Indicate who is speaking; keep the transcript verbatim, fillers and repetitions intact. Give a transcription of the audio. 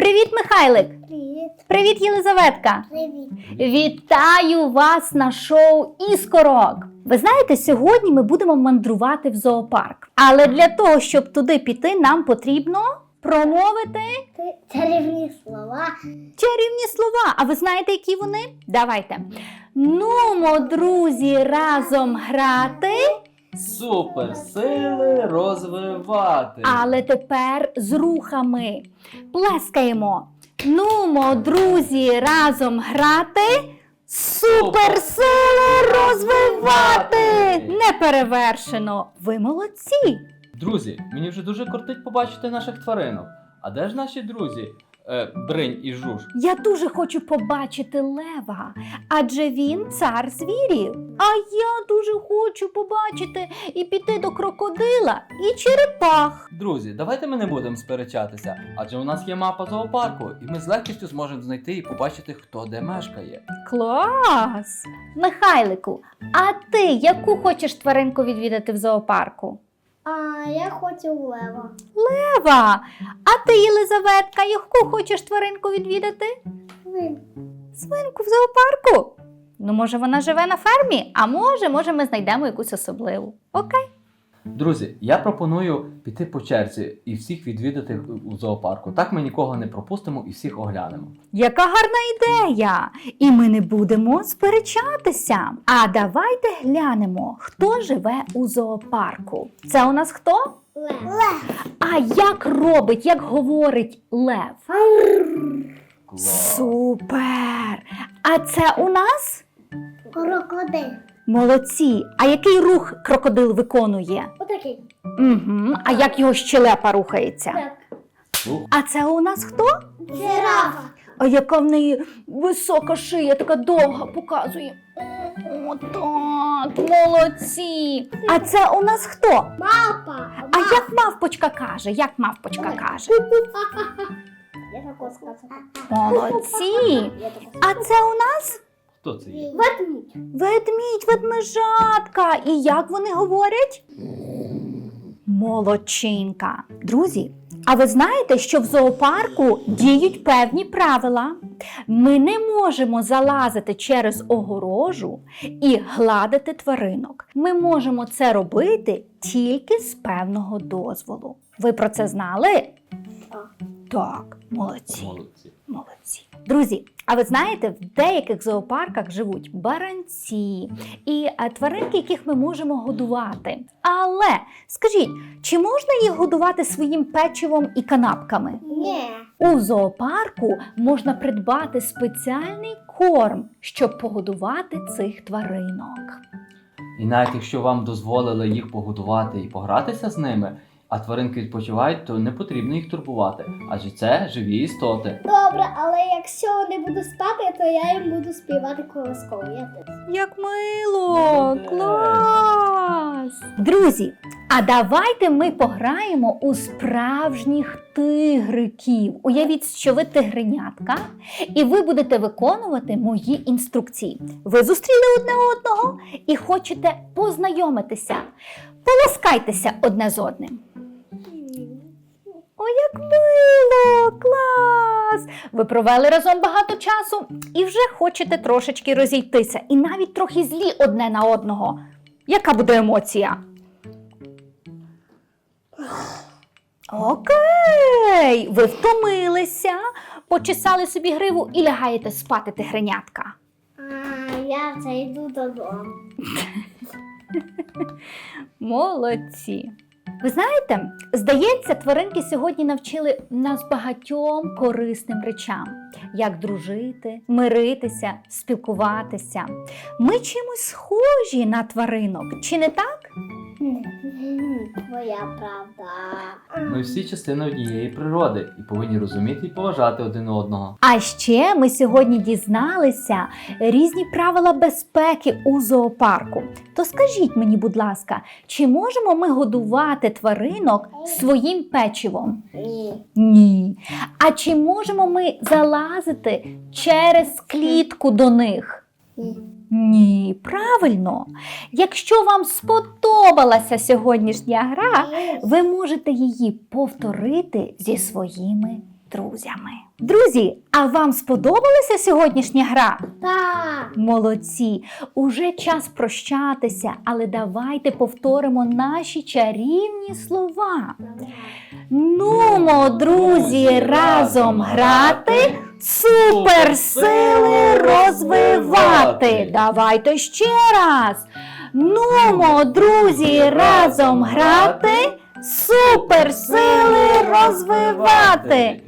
Speaker 1: Привіт, Михайлик!
Speaker 2: Привіт.
Speaker 1: Привіт, Єлизаветка!
Speaker 2: Привіт.
Speaker 1: Вітаю вас на шоу «Іскорок». Ви знаєте, сьогодні ми будемо мандрувати в зоопарк. Але для того, щоб туди піти, нам потрібно промовити
Speaker 2: Чарівні слова.
Speaker 1: чарівні слова. А ви знаєте, які вони? Давайте. Нумо, друзі, разом грати.
Speaker 3: Суперсили розвивати.
Speaker 1: Але тепер з рухами. Плескаємо. Нумо, друзі, разом грати. Суперсили розвивати! Неперевершено. Ви молодці.
Speaker 3: Друзі, мені вже дуже кортить побачити наших тваринок. А де ж наші друзі? Е, Бринь і Жуж.
Speaker 1: Я дуже хочу побачити лева, адже він цар звірів. А я дуже хочу побачити і піти до крокодила і черепах.
Speaker 3: Друзі, давайте ми не будемо сперечатися, адже у нас є мапа зоопарку, і ми з легкістю зможемо знайти і побачити, хто де мешкає.
Speaker 1: Клас! Михайлику, а ти яку хочеш тваринку відвідати в зоопарку?
Speaker 2: А я хочу лева.
Speaker 1: Лева! А ти, Єлизаветка, яку хочеш тваринку відвідати?
Speaker 2: Свин.
Speaker 1: Свинку в зоопарку? Ну, може, вона живе на фермі, а може, може, ми знайдемо якусь особливу. Окей.
Speaker 3: Друзі, я пропоную піти по черзі і всіх відвідати у зоопарку. Так ми нікого не пропустимо і всіх оглянемо.
Speaker 1: Яка гарна ідея! І ми не будемо сперечатися. А давайте глянемо, хто живе у зоопарку. Це у нас хто?
Speaker 2: Лев. Лев.
Speaker 1: А як робить, як говорить лев?
Speaker 3: Клас.
Speaker 1: Супер! А це у нас?
Speaker 2: Крокодил.
Speaker 1: Молодці! А який рух крокодил виконує?
Speaker 2: Отакий.
Speaker 1: Угу. А як його щелепа рухається?
Speaker 2: Так.
Speaker 3: Ух,
Speaker 1: А це у нас хто?
Speaker 2: Жирафа.
Speaker 1: А яка в неї висока шия, така довга, показує. Отак, молодці. А це у нас хто?
Speaker 2: Мапа.
Speaker 1: А як мавпочка каже? Як мавпочка каже?
Speaker 2: Я тако скажу.
Speaker 1: Молодці.
Speaker 2: Я тако
Speaker 1: А це у нас
Speaker 3: хто це є?
Speaker 2: Ведмідь.
Speaker 1: ведмідь, ведмежатка. І як вони говорять? Молодчинка. Друзі, а ви знаєте, що в зоопарку діють певні правила? Ми не можемо залазити через огорожу і гладити тваринок. Ми можемо це робити тільки з певного дозволу. Ви про це знали?
Speaker 2: Так.
Speaker 1: Так, молодці.
Speaker 3: Молодці.
Speaker 1: Молодці. Друзі, а ви знаєте, в деяких зоопарках живуть баранці і а, тваринки, яких ми можемо годувати. Але, скажіть, чи можна їх годувати своїм печивом і канапками?
Speaker 2: Ні.
Speaker 1: У зоопарку можна придбати спеціальний корм, щоб погодувати цих тваринок.
Speaker 3: І навіть якщо вам дозволили їх погодувати і погратися з ними, а тваринки відпочивають, то не потрібно їх турбувати, адже це живі істоти.
Speaker 2: Добре, але якщо вони будуть спати, то я їм буду співати колискову. Я теж.
Speaker 1: Як мило!
Speaker 3: Молодець!
Speaker 1: Клас! Друзі, а давайте ми пограємо у справжніх тигриків. Уявіть, що ви тигренятка, і ви будете виконувати мої інструкції. Ви зустріли одне одного і хочете познайомитися. Поласкайтеся одне з одним. Ой, як мило! Клас! Ви провели разом багато часу і вже хочете трошечки розійтися. І навіть трохи злі одне на одного. Яка буде емоція? Окей! Ви втомилися, почесали собі гриву і лягаєте спати, тигренятка.
Speaker 2: А я вже йду додому.
Speaker 1: Молодці! Ви знаєте, здається, тваринки сьогодні навчили нас багатьом корисним речам. Як дружити, миритися, спілкуватися. Ми чимось схожі на тваринок, чи не так?
Speaker 2: Твоя правда.
Speaker 3: Ми всі частини однієї природи і повинні розуміти і поважати один одного.
Speaker 1: А ще ми сьогодні дізналися різні правила безпеки у зоопарку. То скажіть мені, будь ласка, чи можемо ми годувати тваринок своїм печивом?
Speaker 2: Ні.
Speaker 1: Ні. А чи можемо ми залазити через клітку до них?
Speaker 2: Ні.
Speaker 1: Ні, правильно. Якщо вам сподобалася сьогоднішня гра, ви можете її повторити зі своїми друзями. Друзі, а вам сподобалася сьогоднішня гра?
Speaker 2: Так.
Speaker 1: Молодці! Уже час прощатися, але давайте повторимо наші чарівні слова. Нумо, друзі, разом грати, суперсили розвивати. Давайте ще раз. Нумо, друзі, разом грати, суперсили розвивати.